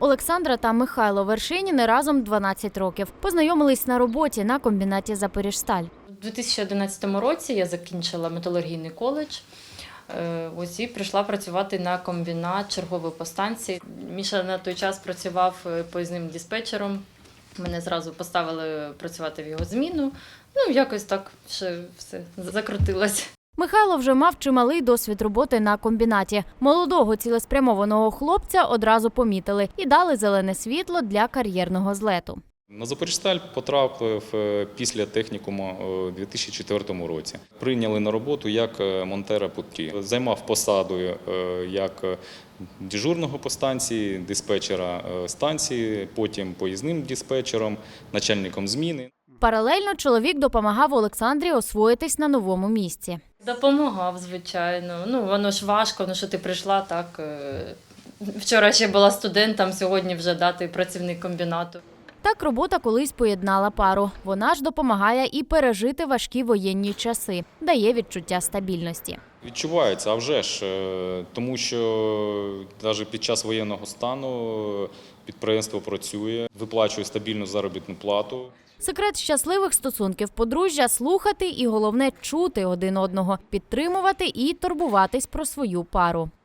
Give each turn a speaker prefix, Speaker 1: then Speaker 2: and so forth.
Speaker 1: Олександра та Михайло Вершиніни разом 12 років. Познайомились на роботі на комбінаті «Запоріжсталь».
Speaker 2: У 2011 році я закінчила металургійний коледж. Ось і прийшла працювати на комбінат чергової по станції. Міша на той час працював поїзним диспетчером. Мене зразу поставили працювати в його зміну. Якось так все закрутилось.
Speaker 1: Михайло вже мав чималий досвід роботи на комбінаті. Молодого цілеспрямованого хлопця одразу помітили і дали зелене світло для кар'єрного злету.
Speaker 3: На «Запоріжсталь» потрапив після технікуму у 2004 році. Прийняли на роботу як монтера путрі. Займав посаду як дежурного по станції, диспетчера станції, потім поїзним диспетчером, начальником зміни.
Speaker 1: Паралельно чоловік допомагав Олександрі освоїтись на новому місці.
Speaker 2: Допомагав, звичайно. Воно ж важко, що ти прийшла так. Вчора ще була студентом, сьогодні вже працівник комбінату.
Speaker 1: Так робота колись поєднала пару. Вона ж допомагає і пережити важкі воєнні часи, дає відчуття стабільності.
Speaker 3: Відчувається, а вже ж, тому що навіть під час воєнного стану підприємство працює, виплачує стабільну заробітну плату.
Speaker 1: Секрет щасливих стосунків подружжя – слухати і, головне, чути один одного, підтримувати і турбуватись про свою пару.